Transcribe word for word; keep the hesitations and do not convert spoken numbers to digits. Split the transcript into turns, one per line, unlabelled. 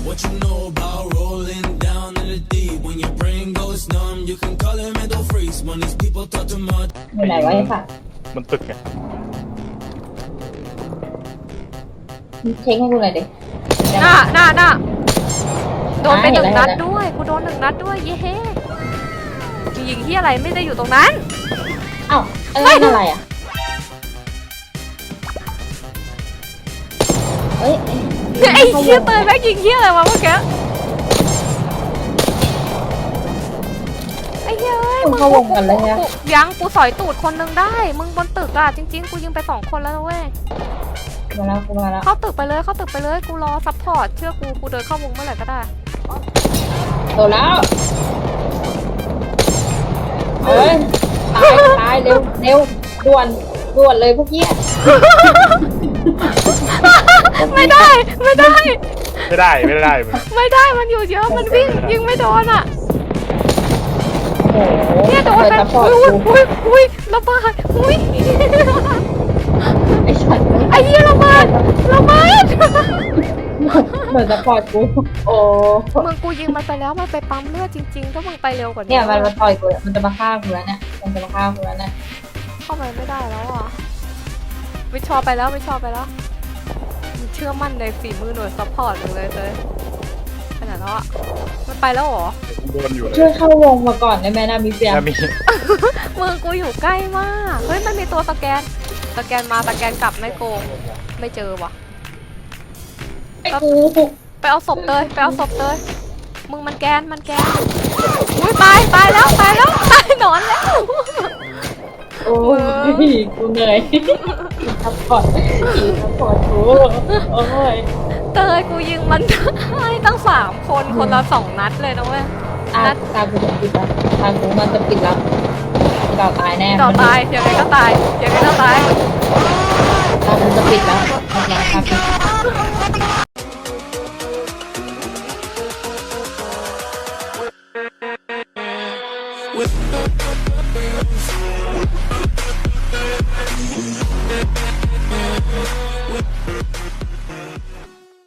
What you know about rolling down in the deep? When your brain goes numb, you can call it mental freeze. When these people talk too much.
อยู่ไหนวะไอ้สัตว์
มันตึกไง
มึงเช็คให้กูหน่อยดิ
หน้าหน้าหน้าโดนไปหนึ่ง
เห็น
นั
แล้ว
ดด้วยกูโดนหนึ่งนัดด้วยเย้เฮ้ยิงที่อะไรไม่ได้อยู่ตรงนั้น
เอ้าเอ้ยนั่นอะไรอ่ะเอ้ย
ไอ้เหี้ยเตยแม่งยิงเหี้ยอะไรวะเมื่อกี้ไอ้เหี้ยเอ้ย
มึงเข้าวงกันเลยนะ
กูยังกูสอยตูดคนหนึงได้มึงบนตึกอะจริงๆกูยิงไปสองคนแล้วนะเว้ย
มาแล้วกูมาแล้ว
เข้าตึกไปเลยเข้าตึกไปเลยกูรอซัพพอร์ตเชื่อกูกูเดินเข้าวงเมื่อไหร่ก็ได้
โดนแล้วเอ้ยตายตายเร็วเร็วด่วนด่วนเลยพวกเหี้ย
ไม่ได้ไม่ได้
ไม่ได้ไม่ได้มึง
ไม่ได้มันอยู่เยอะมันวิ่งยิงไม่โดนอะ
โอ้โห
เนี่ยโดน
เปิด
ไป
ซัพพอร์ต
อุ้ย
กู
อุ้ยอุ้ยระเบิดอุ้ย
ไอ้สัตว์
ไอ้เหี้ยระเบิดระเบิด
เปิดซัพพอร์ตกูโอ้
มึงกูยิงมันไปแล้วมันไปปั๊มเลือดจริงๆถ้ามึงไปเร็วกว่านี้
เนี่ยมันมาต่อยกูเนี่ยมันจะมาฆ่ากูแล้วเนี่ยมันจะมาฆ่ากูแล้วเนี่ย
เข้าไปไม่ได้แล้วอ่ะวิชอไปแล้ววิชอไปแล้วมึงเชื่อมั่นในฝีมือหน่วยซัพพอร์ตมึงเลยเลยขนาดแล้วอ่ะมันไปแล้วเหรอ
โดนอยู่เลย
ช่วยเข้าวงมาก่อนได้ไหมนะมีเปีย
ถ้ามี
มึงกูอยู่ใกล้มากเฮ้ยมันมีตัวสแกนสแกนมาสแกนกลับไม่โกงไม่เจอว่ะ
ไอ้กู
ไปเอาศพเตยไปเอาศพเตยมึงมันแกนมันแกนอุ้ยตายตายแล้วตายแล้วตายนอนแล้ว
โอ้ยกูเหนื่อยซัพพอร์ตอีซัพพอร์ตกูโอ้ย
เตยกูยิงมันได้ตั้งสามคนคนละสองนัดเลยนะเว้ย
อ่ะ
นัด
ตากูจะปิดแล้วตากูมันจะปิดแล้วเราตายแน่
ต่อตายยังไงก็ตายยังไงก็ตาย
ตากูจะปิดแล้วโอเคครับ